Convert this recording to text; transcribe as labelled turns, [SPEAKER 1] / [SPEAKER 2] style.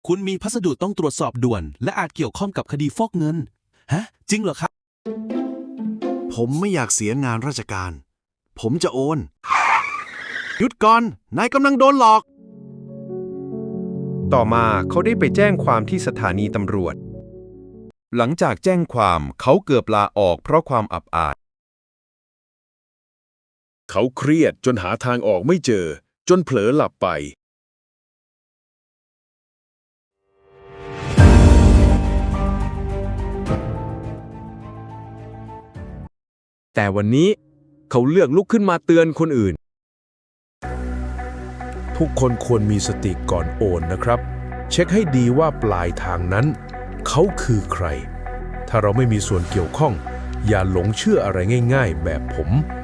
[SPEAKER 1] คุณมีพัสดุต้องตรวจสอบด่วนและอาจเกี่ยวข้องกับคดีฟอกเงินฮะจริงเหรอครับ
[SPEAKER 2] ผมไม่อยากเสียงานราชการผมจะโอนหยุดก่อนนายกำลังโดนหลอก
[SPEAKER 3] ต่อมาเขาได้ไปแจ้งความที่สถานีตำรวจหลังจากแจ้งความเขาเกือบลาออกเพราะความอับอาย
[SPEAKER 4] เขาเครียดจนหาทางออกไม่เจอจนเผลอหลับไป
[SPEAKER 3] แต่วันนี้เขาเลือกลุกขึ้นมาเตือนคนอื่น
[SPEAKER 5] ทุกคนควรมีสติก่อนโอนนะครับเช็คให้ดีว่าปลายทางนั้นเขาคือใครถ้าเราไม่มีส่วนเกี่ยวข้องอย่าหลงเชื่ออะไรง่ายๆแบบผม